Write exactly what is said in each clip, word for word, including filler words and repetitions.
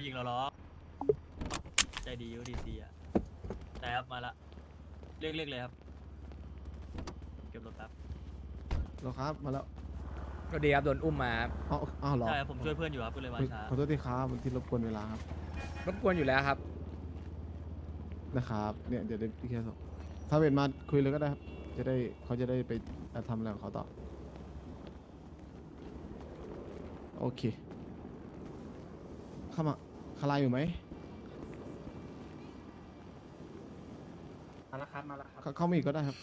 ยิงเราหรอกใจดียูดีซีอ่ะแต่ครับมาละเรียกเรียกเลยครับเก็บรถแป๊บเหรอครับมาแล้วก็ดีครับโดนอุ้มมาครับอ๋ออ้าวเหรอใช่ครับผมช่วยเพื่อนอยู่ครับก็เลยมาเฮ้ยช้าขอโทษทีครับมันที่รบกวนเวลาครับรบกวนอยู่แล้วครับนะครับเนี่ยเดี๋ยวได้พี่แค่ส่งถ้าเวทมาคุยเลยก็ได้ครับจะได้เขาจะได้ไปทำอะไรของเขาต่อโอเคเข้ามาคาราอยู่ไหมมาแล้วครับมาแล้วครับเข้าเข้ามาอีกก็ได้ครับ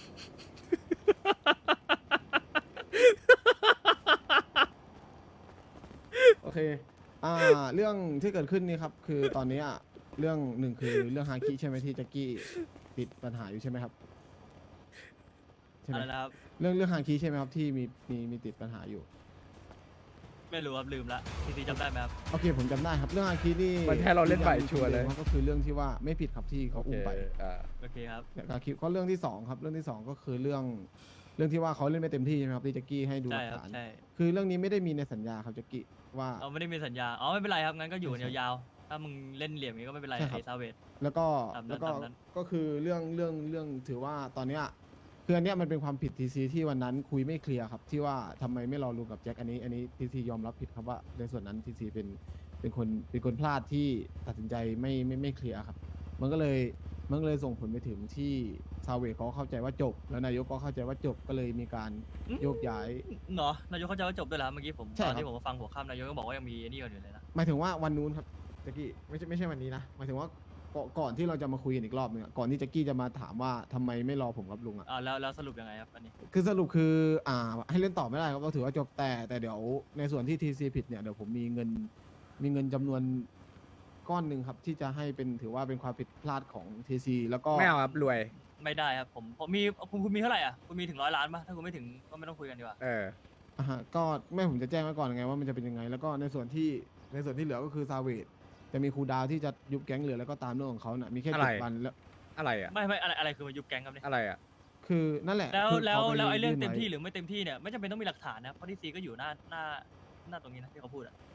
โอเค อ่า เรื่องที่เกิดขึ้นนี่ครับ คือตอนนี้อ่ะเรื่องหนึ่งคือเรื่องฮาคิใช่ไหมที่แจ็กกี้ติดปัญหาอยู่ใช่ไหมครับใช่ไหมอะไรนะครับเรื่องเรื่องฮาคิใช่ไหมครับที่มีมีมีติดปัญหาอยู่ไม่รู้ครับลืมละทีซีจำได้ไหมครับโอเคผมจำได้ครับ เรื่องฮาคินี่มันให้เราเล่นใหม่ชัวร์เลยครับก็คือเรื่องที่ว่าไม่ผิดครับที่เขาอุ้มไปอ่าโอเคครับฮาคิก็เรื่องที่สองครับ เรื่องที่สองก็คือเรื่องเรื่องที่ว่าเขาเล่นไม่เต็มที่ใช่ไหมครับที่แจ็กกี้ให้ดูหใช่ลักครับฐานใช่คือเรื่องนี้ไม่ได้มีในสัญญาครับแจ็กกี้ว่าเอาไม่ได้มีสัญญาอ๋อไม่เป็นไรครับงั้นก็อยู่กันใช่ยาวๆถ้ามึงเล่นเหลี่ยมนี้ก็ไม่เป็นไรใช่ครับไอ้ซาเวตแล้วก็ตามนั้นแล้วก็ตามนั้นก็คือเรื่องเรื่องเรื่องถือว่าตอนเนี้ยคืออันเนี้ยมันเป็นความผิดทีซีที่วันนั้นคุยไม่เคลียร์ครับที่ว่าทำไมไม่รอลุงกับแจ็คอันนี้อันนี้ทีซียอมรับผิดครับว่าในส่วนนั้นทีซีเป็นเป็นคนเป็นคนพลาดที่ตัดสินใจไม่ไม่ไม่เคลียร์ครับ มันก็เลยมันก็เลยส่งผลไปถึงที่ซาเวเขาเข้าใจว่าจบ แล้วนายกก็เข้าใจว่าจบก็เลยมีการโยกย้ายเนาะนายกเขาจะว่าจบด้วยแล้วเมื่อกี้ผมใช่ตครัอนบที่ผมมาฟังหัวค่ำนายกก็บอกว่ายังมีไอ้นี่กันอยู่เลยนะหมายถึงว่าวันนู้นครับแจ็กกี้ไม่ใช่ไม่ใช่วันนี้นะหมายถึงว่าก่อนก่อนที่เราจะมาคุยกันอีกรอบหนึงอะก่อนที่แจ็กกี้จะมาถามว่าทำไมไม่รอผมกับลุงอะอ่าแล้วแล้วสรุปยังไงครับอันนี้คือสรุปคืออ่าให้เล่นต่อไม่ได้ครับก็ถือว่าจบแต่แต่เดี๋ยวในส่วนที่ทีซีผิดเนี่ยเดี๋ยวผมมีเงินมีเงินจำนวนก้อนหนึ่งครับที่จะให้เป็นถือว่าเป็นความผิดพลาดของทีซีแล้วก็ไม่เอาครับรวยไม่ได้ครับผมผมมีคุณคุณมีเท่าไหร่อ่ะคุณมีถึงร้อยล้านปะถ้าคุณไม่ถึงก็ไม่ต้องคุยกันดีกว่าเอออ่าฮะก็แม่ผมจะแจ้งไว้ก่อนไงว่ามันจะเป็นยังไง แล้วก็ในส่วนที่ในส่วนที่เหลือก็คือซาเวดจะมีครูดาวที่จะยุบแก๊งเหลือแล้วก็ตามเรื่องของเขาน่ะมีแค่อะไรเจ็ดวันแล้วอะไรอ่ะไม่ไม่อะไรอะไรคือมายุบแก๊งครับเนี่ยอะไรอ่ะคือนั่นแหละแล้วคือแล้วขาปแล้วไอ้เรื่องยื่นเต็มว้ที่หรือไม่เต็มที่เนี่ยไม่จำเป็นต้องมีหลักฐานนะเพราะทีซีก็อยู่หน้าหน้าหน้าตรงนี้นะที่เขาพูดอ่ะ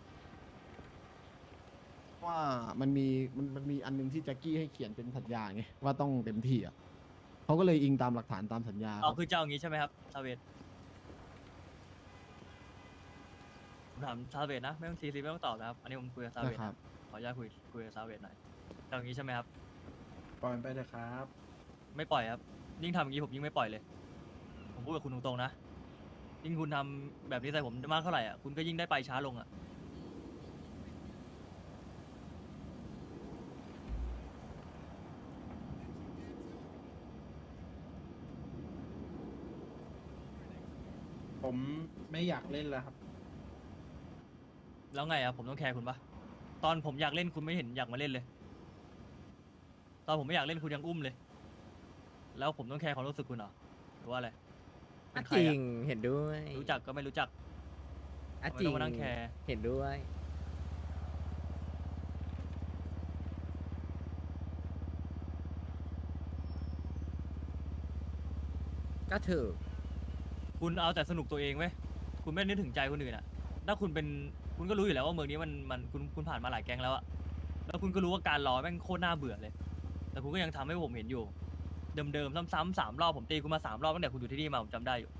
ว่ามันมีมันมันมีอันหนึงที่แจ็คกี้ให้เขียนเป็นสัญญาไงว่าต้องเต็มที่อ่ะเขาก็เลยอิงตามหลักฐานตามสัญญาคอ๋อรับคือเจ้าอย่างงี้ใช่ไหมครับซาเวตผมถามซาเวตนะไม่ต้องทีซีไม่ต้องตอบนะครับอันนี้ผมคุยกับซาเวตนะครับขออนุญาตคุยคุยกับซาเวตหน่อยเจ้าอย่างงี้ใช่ไหมครับปล่อยมันไปเลยครับไม่ปล่อยครับยิ่งทำอย่างนี้ผมยิ่งไม่ปล่อยเลย ผมพูดกับคุณตรงๆนะยิ่งคุณทำแบบนี้ใส่ผมมากเท่าไหร่อ่ะคุณก็ยิ่งได้ไปช้าลงอ่ะผมไม่อยากเล่นแล้วครับแล้วไงอ่ะผมต้องแคร์คุณปะตอนผมอยากเล่นคุณไม่เห็นอยากมาเล่นเลย ตอนผมไม่อยากเล่นคุณยังอุ้มเลย แล้วผมต้องแคร์ความรู้สึกคุณเหรอหรือว่าอะไรเป็นใคจรริอะง เห็นด้วยรู้จักก็ไม่รู้จักอ่ะทำไมจริต้อง งมานั่งแคร์เห็นด้วย ก็ถือคุณเอาแต่สนุกตัวเองเว้ยคุณไม่นึกถึงใจคนอื่นอ่ะ ถ้าคุณเป็นคุณก็รู้อยู่แล้วว่าเมืองนี้มันมันคุณคุณผ่านมาหลายแก๊งแล้วอะแล้วคุณก็รู้ว่าการรอแม่งโคตรน่าเบื่อเลย แต่คุณก็ยังทำให้ผมเห็นอยู่ เดิมๆซ้ำๆสามรอบผมตีคุณมาสามรอบตั้งแต่คุณอยู่ที่นี่มาผมจำได้อยู่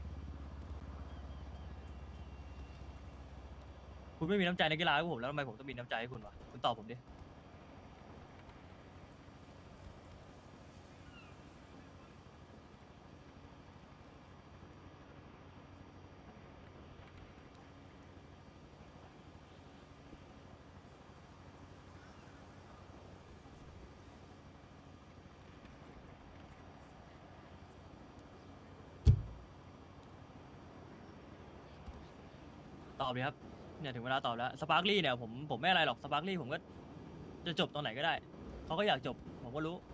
คุณไม่มีน้ำใจในกีฬาให้ผมแล้วทำไมผมต้องมีน้ำใจให้คุณวะคุณตอบผมดิ ตอบเลยครับเนี่ยถึงเวลาตอบแล้วสปาร์คลี่เนี่ยผมผมไม่อะไรหรอกสปาร์คลี่ผมก็จะจบตรงไหนก็ได้เขาก็อยากจบผมก็รู้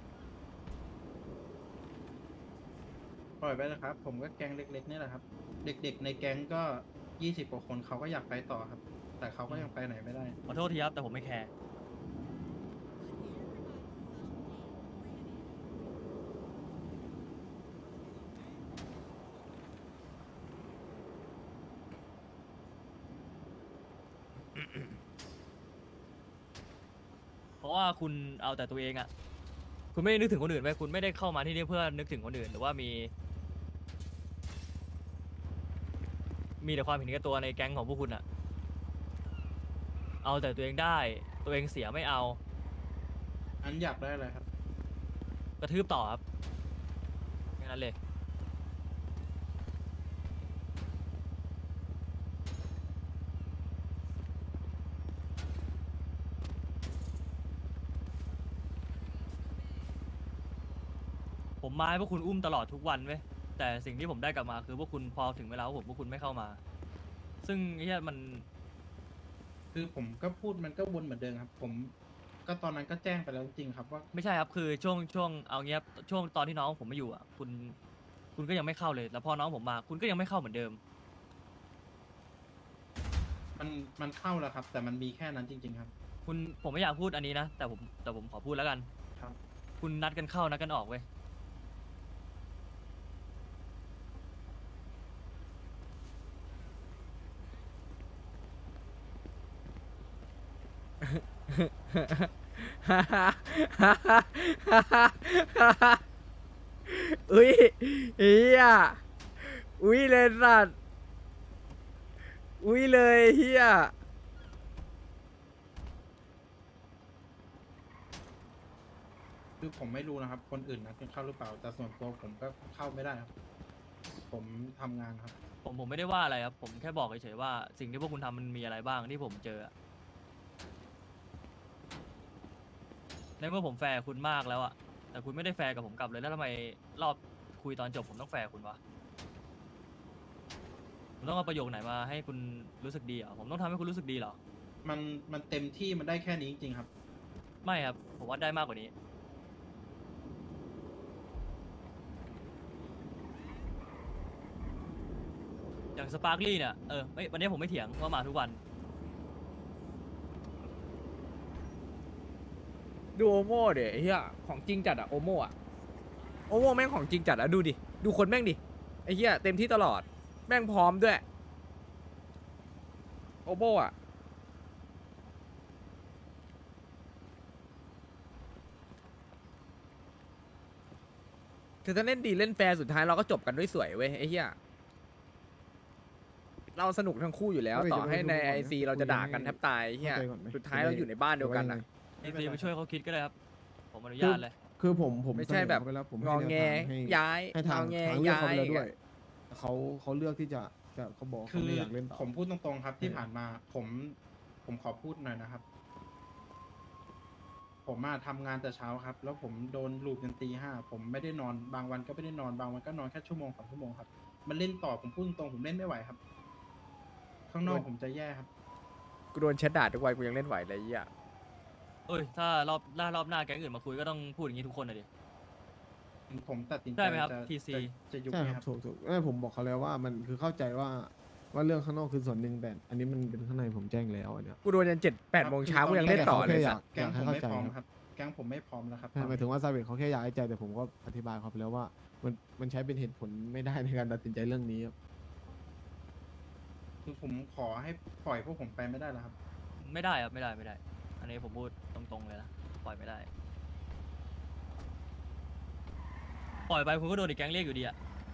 ปล่อยไปเลยครับ ผมก็แก๊งเล็กๆนี่แหละครับ เด็กๆในแก๊งก็ยี่สิบกว่าคนเขาก็อยากไปต่อครับ แต่เขาก็ยังไปไหนไม่ได้ขอโทษทีครับแต่ผมไม่แคร์ราะว่าคุณเอาแต่ตัวเองอะคุณไม่ได้นึกถึงคนอื่นไว้คุณไม่ได้เข้ามาที่นี่เพื่อนึกถึงคนอื่นหรือว่ามี มีแต่ความเห็นแก่ตัวในแก๊งของพวกคุณอะเอาแต่ตัวเองได้ตัวเองเสียไม่เอาอันอยากได้อะไรครับกระทืบต่อครับแค่นั้นเลย ผมมาให้พวกคุณอุ้มตลอดทุกวันเว้ยแต่สิ่งที่ผมได้กลับมาคือพวกคุณพอถึงเวลาของผมพวกคุณไม่เข้ามา ซึ่งไอ้เหี้ยมันคือผมก็พูดมันก็วนเหมือนเดิมครับ ผมก็ตอนนั้นก็แจ้งไปแล้วจริงๆครับว่าไม่ใช่ครับคือช่วงช่วงเอาเงี้ยช่วงตอนที่น้องผมมาอยู่อ่ะคุณคุณก็ยังไม่เข้าเลยแล้วพอน้องผมมา คุณก็ยังไม่เข้าเหมือนเดิมมันมันเข้าแล้วครับ แต่มันมีแค่นั้นจริง ๆ ครับคุณผมไม่อยากพูดอันนี้นะแต่ผมแต่ผมขอพูดแล้วกันครับคุณนัดกันเข้านัดกันออกเว้ยอุ้ยเฮียอุ้ยเลยสัตว์อุ้ยเลยเฮียคือผมไม่รู้นะครับ คนอื่นนัดกันเข้าหรือเปล่า แต่ส่วนตัวผมก็เข้าไม่ได้ครับ ผมทำงานครับผมผมไม่ได้ว่าอะไรครับผมแค่บอกเฉยๆว่าสิ่งที่พวกคุณทำมันมีอะไรบ้างที่ผมเจออะในเมื่อผมแฟร์คุณมากแล้วอะแต่คุณไม่ได้แฟร์กับผมกลับเลยแล้วทำไมรอบคุยตอนจบผมต้องแฟร์คุณวะผมต้องเอาประโยคไหนมาให้คุณรู้สึกดีเหรอผมต้องทำให้คุณรู้สึกดีเหรอมันมันเต็มที่มันได้แค่นี้จริงๆครับไม่ครับผมว่าได้มากกว่านี้ อย่างสปาร์คลี่เนี่ยเออไม่วันนี้ผมไม่เถียงว่ามาทุกวันดูโอโม่เดี๋ยเฮียของจริงจัดอะโอโม่อะโอโม่แม่งของจริงจัดอะดูดิดูคนแม่งดิไอ้เฮียเต็มที่ตลอดแม่งพร้อมด้วยโอโม่อะคือถ้าเล่นดีเล่นแฟร์สุดท้ายเราก็จบกันด้วยสวยเว้ยไอ้เฮียเราสนุกทั้งคู่อยู่แล้วเฮ้ยต่อให้ในเดี๋ยวไอไปดูก่อนนะซีเราจะด่ากันแทบตายไอ้เฮียเข้าใจก่อนไหมสุดท้ายเราอยู่ในบ้านเดียวกันนะเอ็นซีไปช่วยเขาคิดก็ได้ครับ ผมอนุญาตเลยคือผมผมไม่ใช่แบบเสนอเขาไปแล้วผมงให้อแนวแงทางให้ย้ายให้ทางงอแงทางเลือกย้าเขาไปยแล้วด้วยเขาเขาเลือกที่จะจะเขาบอกคืเขาอไม่อยากเล่นต่อผมพูดตรงๆครับ ที่เออผ่านมา ผมผมขอพูดหน่อยนะครับ ผมมาทำงานแต่เช้าครับ แล้วผมโดนลูกจนตีห้าผมไม่ได้นอนบางวันก็ไม่ได้นอนบางวันก็นอนแค่ชั่วโมงสองชั่วโมงครับ มันเล่นต่อผมพูดตรงๆผมเล่นไม่ไหวครับ ข้างนอกผมจะแย่ครับกูโดนแชทด่าทุกวันกูยังเล่นไหวเลยไอ้เฮียเอ้ยถ้ารอบหน้ารอบหน้าแก๊งอื่นมาคุยก็ต้องพูดอย่างนี้ทุกคนเลยดิผมตัดสินใจได้ไหมครับจะที ซีจะจะยุบใช่ไหมคครัรับบ ถูกถูกไม่ผมบอกเขาแล้วว่ามันคือเข้าใจว่าว่าเรื่องข้างนอกคือส่วนหนึ่งแต่อันนี้มันเป็นข้างในผมแจ้งแล้วอันเนี้ยกูโดนยันเจ็ดแปดโมงเช้ากูยังเล่นต่อเลยแค่สัอตยากว์แก๊งให้ผมเข้าไม่ใจพร้อมคครับ รับ แก๊งผมไม่พร้อมแล้วครับใช่หมายถึงว่าซาเวตเขาแค่อยากให้ใจแต่ผมก็อธิบายเขาไปแล้วว่ามันมันใช้เป็นเหตุผลไม่ได้ในการตัดสินใจเรื่องนี้ครับคือผมขอให้ปล่อยพวกผมไปไม่ได้แล้วครับไม่ได้ครับไม่ได้ไม่ได้ อันนี้ผมพูดตรงๆเลยนะปล่อยไม่ได้ ปล่อยไปคุณก็โดนอีกแก๊งเรียกอยู่ดีอะ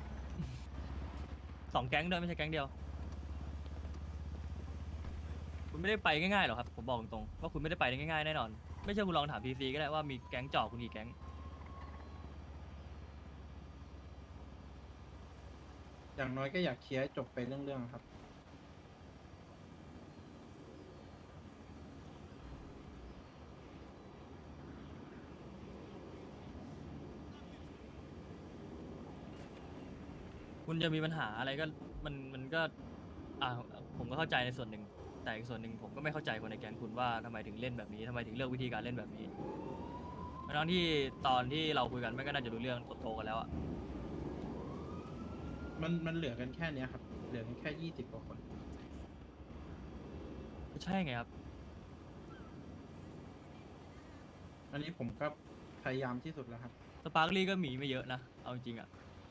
สองแก๊งด้วยไม่ใช่แก๊งเดียว คุณไม่ได้ไปง่ายๆหรอกครับผมบอกตรงๆว่าคุณไม่ได้ไปได้ง่ายๆแน่นอน ไม่เชื่อคุณลองถามพีซีก็ได้ว่ามีแก๊งจ่อคุณกี่แก๊งอย่างน้อยก็อยากเคลียร์ให้จบไปเรื่องๆครับคุณจะมีปัญหาอะไรก็มันมันก็อ่าผมก็เข้าใจในส่วนหนึ่งแต่อีกส่วนหนึ่งผมก็ไม่เข้าใจคนในแก๊งคุณว่าทำไมถึงเล่นแบบนี้ทำไมถึงเลือกวิธีการเล่นแบบนี้ทั้งที่ตอนที่เราคุยกันไม่ก็น่าจะรู้เรื่องโตๆกันแล้วอะมันมันเหลือกันแค่เนี้ยครับ เหลือกันแค่ยี่สิบกว่าคนก็ใช่ไงครับอันนี้ผมก็พยายามที่สุดแล้วครับสปาร์คลี่ก็หมีไม่เยอะนะเอาจริงๆอะ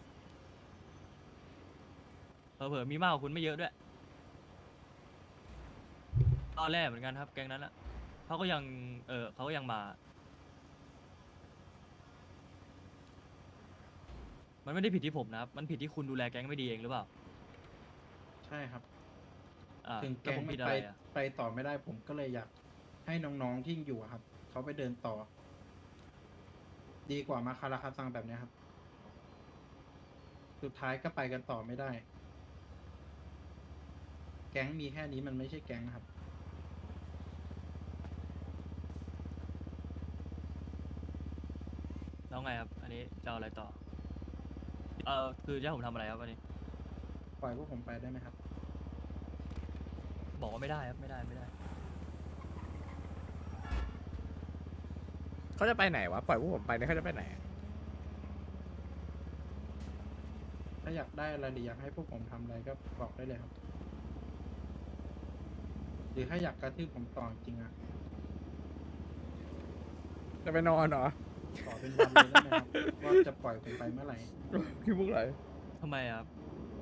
เผลอๆมีมากกว่าคุณไม่เยอะด้วยตอนแรกเหมือนกันครับแก๊งนั้นอะเขาก็ยังเออเขาก็ยังมา มันไม่ได้ผิดที่ผมนะครับ มันผิดที่คุณดูแลแก๊งไม่ดีเองหรือเปล่าใช่ครับอ่าถึงแล้วแก๊งผมมัผินดอะไปไรอ่ะไปต่อไม่ได้ผมก็เลยอยากให้น้องๆที่อยู่อะครับเขาไปเดินต่อ ดีกว่ามาคาราคาซังแบบเนี้ยครับ สุดท้ายก็ไปกันต่อไม่ได้ แก๊งมีแค่นี้มันไม่ใช่แก๊งครับแล้วไงครับ อันนี้จะเอาอะไรต่อ เออคือจะให้ผมทำอะไรครับอันนี้ปล่อยพวกผมไปได้ไหมครับบอกว่าไม่ได้ครับ ไม่ได้ไม่ได้เขาจะไปไหนวะ ปล่อยพวกผมไปเนี่ยเขาจะไปไหนอะถ้าอยากได้อะไรหรืออยากให้พวกผมทำอะไรก็บอกได้เลยครับ หรือถ้าอยากกระทืบผมต่อจริงๆอะจะไปนอนเหรอขอเป็นวันเลยได้ไหมครับ ว่าจะปล่อยผมไปเมื่อไหร่คือพวกไหนทำไมอะครับ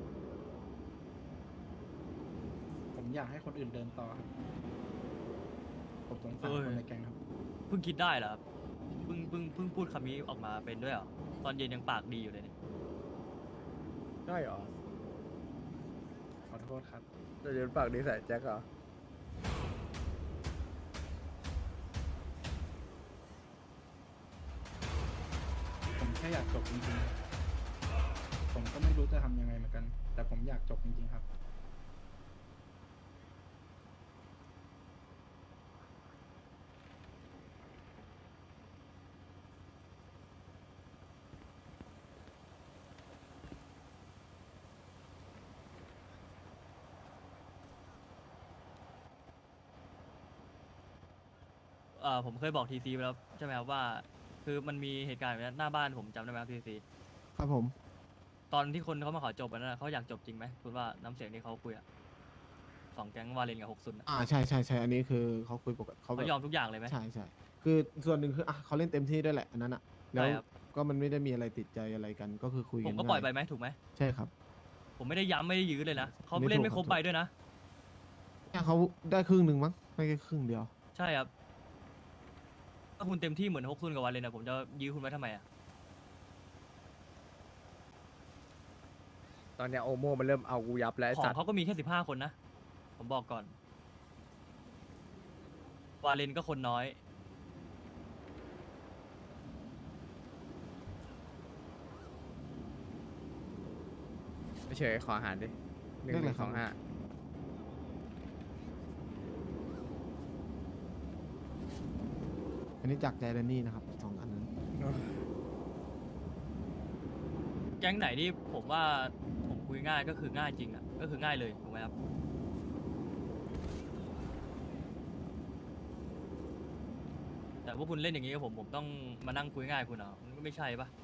ผมอยากให้คนอื่นเดินต่อครับผมสงสารเอ้ยคนในแก๊งครับเพิ่งคิดได้เหรอครับ เพิ่งเพิ่งเพิ่งพูดคำนี้ออกมาเป็นด้วยเหรอ ตอนเย็นยังปากดีอยู่เลยเนี่ยได้เหรอขอโทษครับจะเดินปากดีใส่แจ็คเหรอผมแค่อยากจบจริงๆ ผมก็ไม่รู้จะทำยังไงเหมือนกัน แต่ผมอยากจบจริงๆครับเอ่อผมเคยบอกทีซีไปแล้วใช่ไหมครับว่า คือมันมีเหตุการณ์แบบนี้หน้าบ้านผมจำได้ไหมครับทีซีครับผมตอนที่คนเขามาขอจบอันนั้นนะเขาอยากจบจริงไหมคุณว่าน้ำเสียงที่เขาคุยอะสองแก๊งวาเลนกับหกซุนอะอ่าใช่ใช่ใช่อันนี้คือเขาคุยปกติเขาแบเขาบยอมทุกอย่างเลยไหมใช่ใช่คือส่วนหนึ่งคืออ่ะเขาเล่นเต็มที่ด้วยแหละอันนั้นอ่ะแล้วใช่ครับก็มันไม่ได้มีอะไรติดใจอะไรกันก็คือคุยผกันมก็ปล่อยไปง่ายไหมถูกไหมใช่ครับผมไม่ได้ย้ำไม่ได้ยื้อเลยนะเขาไม่เล่นถูกไม่ครบครับใบด้วยนะแค่เขาได้ครึ่งหนึ่งมั้งไม่ใช่ครึ่งเดียวใช่ครับถ้าคุณเต็มที่เหมือนฮกซุนกับวาเลนอะผมจะยื้อคุณไว้ทำไมอะตอนเนี้ยโอโมมันเริ่มเอากูยับแล้วไอ้ขอสังตว์เขาก็มีแค่สิบห้าคนนะ ผมบอกก่อน วาเลนก็คนน้อยไม่เฉยขออาหารดิหนึ่งเรียกหอะไรนึ่งคสรับองห้าอันนี้จากใจแดนนี่นะครับสองอันนั้นแก๊งไหนที่ผมว่าผมคุยง่ายก็คือง่ายจริงอะก็คือง่ายเลยถูกไหมครับ แต่ว่าคุณเล่นอย่างนี้กับผมผมต้องมานั่งคุยง่ายคุณเหรอมันก็ไม่ใช่ปะ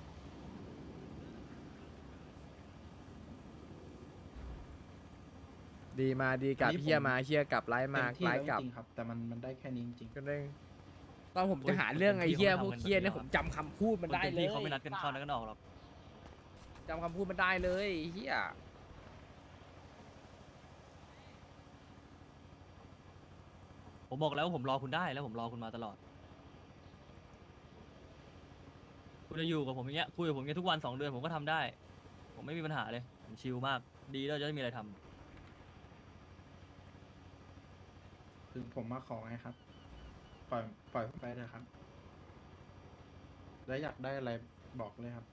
ดีมาดีกลับอันนี้ผมเฮียมาเฮียกลับไล่เต็มามที่ไล่แล้วกลับจริงๆครับ แต่มันมันได้แค่นี้จริงก็ได้ตอนผมจะหาเรื่องไอ้เฮียพวกเฮียเนี่ยผมจำคำพูดมันได้คต็เลยที่เขาไม่นัดกันเข้านัดกันออกหรอกจำคำพูดมันได้เลยไอ้เฮียผมบอกแล้วว่าผมรอคุณได้แล้วผมรอคุณมาตลอด คุณจะอยู่กับผมอย่างเงี้ยคุยกับผมอย่างเงี้ยทุกวันสองเดือนผมก็ทำได้ ผมไม่มีปัญหาเลยผมชิลมากดีแล้วจะได้มีอะไรทำๆ ถึงผมมาขอไงครับ ปล่อยปล่อยผมไปเถอะครับ แล้วอยากได้อะไรบอกเลยครับ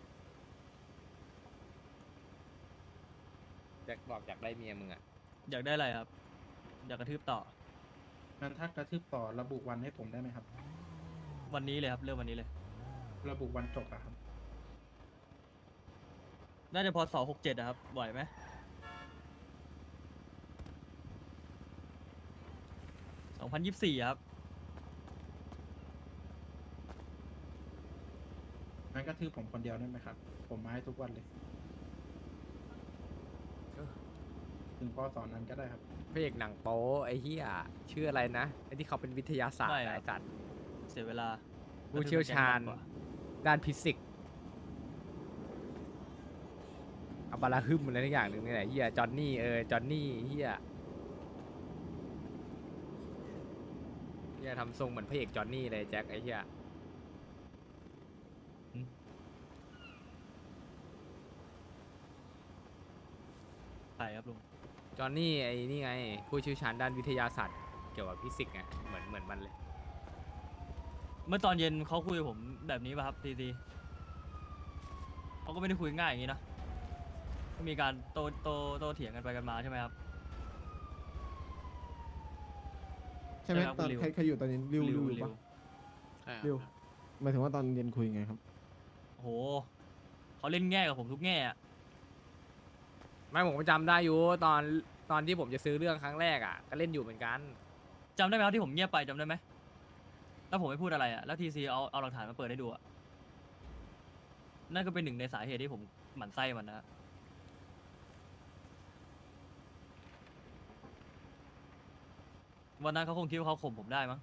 แจ็คบอกอยากได้เมียมึงอ่ะอยากได้อะไรครับ อยากกระทืบต่องั้นถ้ากระทืบต่อระบุวันให้ผมได้ไหมครับวันนี้เลยครับเริ่มวันนี้เลยระบุวันจบอะครับน่าจะพอสอหกเจ็ดนะครับไหวไหมสองพันยี่สิบสี่ครับงั้นกระทืบผมคนเดียวได้ไหมครับ ผมมาให้ทุกวันเลย ถึงพอสอนนั้นก็ได้ครับพระเอกหนังโป๊ไอ้เฮียชื่ออะไรนะไอ้ที่เขาเป็นวิทยาศาสตร์ไม่ครับไอ้จัดเสียเวลาผู้เชี่ยวชาญกระทืบแก๊งมกกว่ด้านฟิสิกส์อับาราฮึมอะไรทุกอย่างหนึ่งนี่แหละเฮียจอนนี่เออจอนนี่เฮียเฮียอย่าทำทรงเหมือนพระเอกจอห์นนี่เลยแจ็คไอ้เหี้ยใช่ครับลุงจอห์นนี่ไอ้นี่ไงผู้เชี่ยวชาญด้านวิทยาศาสตร์เกี่ยวกับฟิสิกส์ไงเหมือนเหมือนมันเลยเมื่อตอนเย็นเขาคุยกับผมแบบนี้ป่ะครับทีทีเขาก็ไม่ได้คุยง่ายอย่างนี้นะก็มีการโตโตโตเถียงกันไปกันมาใช่ไหมครับใช่ไหมใช่ครับตอนริวใครใครอยู่ตอนนี้ริวริวอยู่ริปะใช่ครับริวหมายถึงว่าตอนเย็นคุยไงครับโอ้โหเขาเล่นแง่กับผมทุกแง่อะไม่ผมก็จำได้อยู่ตอนตอนที่ผมจะซื้อเรื่องครั้งแรกอ่ะก็เล่นอยู่เหมือนกันจำได้ไหมครับที่ผมเงียบไปจำได้ไหมแล้วผมไม่พูดอะไรอะแล้วทีซีเอาเอาหลักฐานมาเปิดให้ดูอะนั่นก็เป็นหนึ่งในสาเหตุที่ผมหมั่นไส้มันนะ วันนั้นเขาคงคิดว่าเขาข่มผมได้มั้ง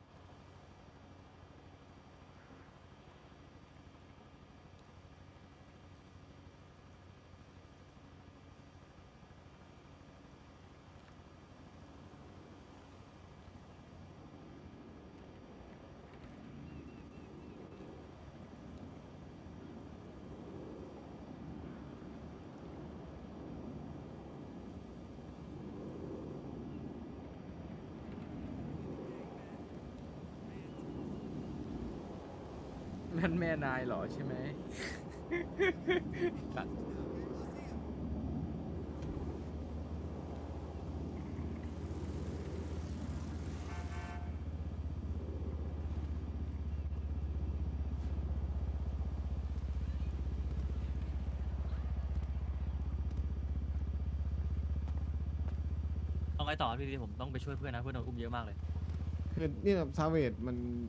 นั่นแม่นายเหรอใช่ไหม สัตว์เอาไงต่อครับพี่ทีผมต้องไปช่วยเพื่อนนะเพื่อนโดนอุ้มเยอะมากเลยคือนี่แบบซาเวดมัน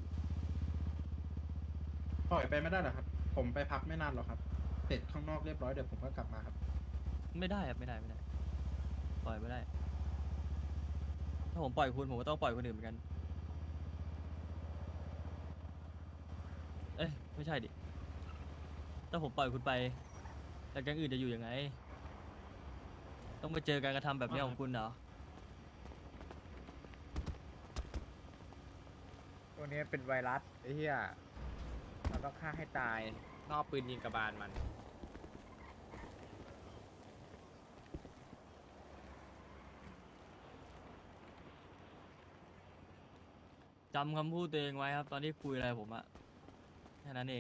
ปล่อยไปไม่ได้หรอครับ ผมไปพักไม่นานหรอกครับเสร็จข้างนอกเรียบร้อยเดี๋ยวผมก็กลับมาครับไม่ได้ครับไม่ได้ไม่ได้ ปล่อยไม่ได้ ถ้าผมปล่อยคุณผมก็ต้องปล่อยคนอื่นเหมือนกัน เอ้ยไม่ใช่ดิ ถ้าผมปล่อยคุณไปแต่แก๊งอื่นจะอยู่ยังไง ต้องมาเจอการกระทำแบบนี้ของคุณเหรอตัวนี้เป็นไวรัสไอ้เหี้ยเราต้องฆ่าให้ตายนอกปืนยิงกระบาลมันจำคำพูดตัวเองไว้ครับ ตอนที่คุยอะไรกับผมอะแค่นั้นเอง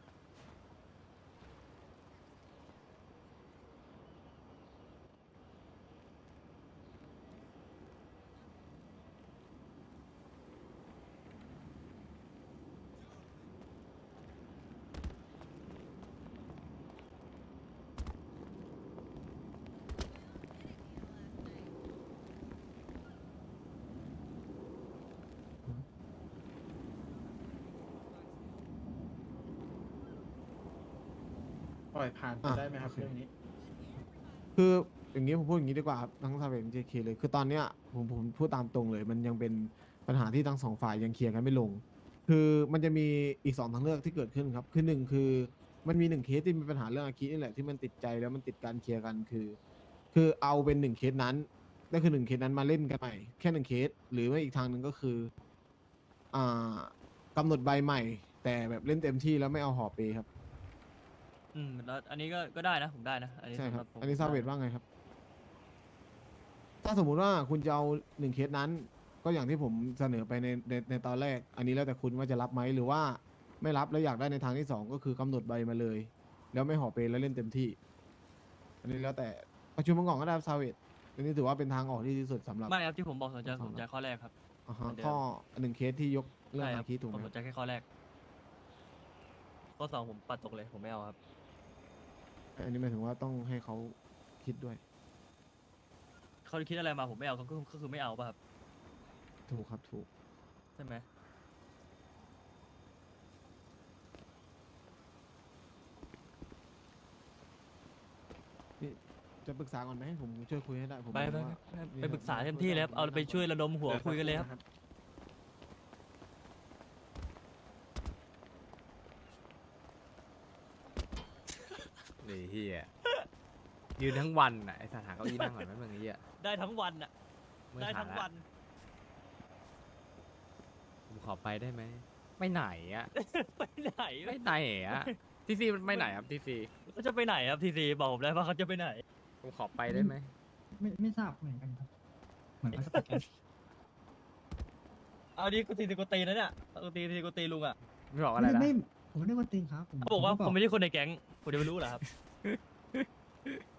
ปล่อยผ่านไปอ่ะได้ไหมครับโอเคเรื่องนี้คืออย่างนี้ผมพูดอย่างนี้ดีกว่าครับทั้งซาเวดเจเคเลยคือตอนเนี้ยผมผมพูดตามตรงเลย มันยังเป็นปัญหาที่ทั้งสองฝ่ายยังเคลียร์กันไม่ลง คือมันจะมีอีกสองทางเลือกที่เกิดขึ้นครับ คือหนึ่งคือมันมีหนึ่งเคสที่มีปัญหาเรื่องอาคินี่แหละที่มันติดใจแล้วมันติดการเคลียร์กันคือ คือเอาเป็นหนึ่งเคสนั้นก็คือหนึ่งเคสนั้นมาเล่นกันใหม่แค่หนึ่งเคสหรือไม่อีกทางหนึ่งก็คืออ่ากำหนดใบใหม่ แต่แบบเล่นเต็มที่แล้วไม่เอาหอเปครับอืมแล้วอันนี้ก็ก็ได้นะผมได้นะ อันนี้ใช่คสำหรับผมอันนี้ซาเวดว่าไงครับ ถ้าสมมุติว่าคุณจะเอาหนึ่งเคสนั้น ก็อย่างที่ผมเสนอไปในในในตอนแรก อันนี้แล้วแต่คุณว่าจะรับไหมหรือว่าไม่รับแล้วอยากได้ในทางที่สองก็คือกำหนดใบมาเลย แล้วไม่ห่อเปแล้วเล่นเต็มที่ อันนี้แล้วแต่ประชุมมังกรก็ได้ซาเวดอันนี้ถือว่าเป็นทางออกที่ดีที่สุดสำหรับไม่ครับที่ผมบอกสนใจสองสนใจข้อแรกครับอ่าฮะเหมือนเดิมข้อหนึ่งเคสที่ยกเรื่องใช่คอารับคิถูกไหผม มสนใจแค่ข้อแรก ข้อสองผมปัดตกเลยผมไม่เอาครับอันนี้หมายถึงว่าต้องให้เขาคิดด้วยเขาคิดอะไรมาผมไม่เอาก็คือก็คือไม่เอาป่ะครับถูกครับถูกใช่ไหมจะปรึกษาก่อนไหมผมช่วยคุยให้ได้ผมไปไปว่าไปไปปรึกษาเต็มที่เลยครับเอาไปช่วยระดมหัวคุยกันเลยครับไอ้เหี้ยยืนทั้งวันน่ะไอ้สถานเก้าอี้นั่งก่อนไหมมึงไอ้เหี้ยได้ทั้งวันอ่ะเมื่อได้ถาทั้งละวันผมขอไปได้ไหมไปไหนอะไปไหนไปไหนอะทีซีมันไปไหนครับทีซีเขาจะไปไหนครับทีซีบอกผมได้ว่าเขาจะไปไหนผมขอไปได้ไหมไม่ไม่ทราบเหมือนกันครับ เหมือนเขาจะไปแก๊งเอาดิกูตีกูตีนะเนี่ยกูตีทีกูตีลุงอ่ะไม่บอกอะไรนะไม่ผมไม่ได้ว่าตีนครับเขาบอกว่าผผมมไม่ใช่คนในแก๊งผมจะไปรู้เหรอครับ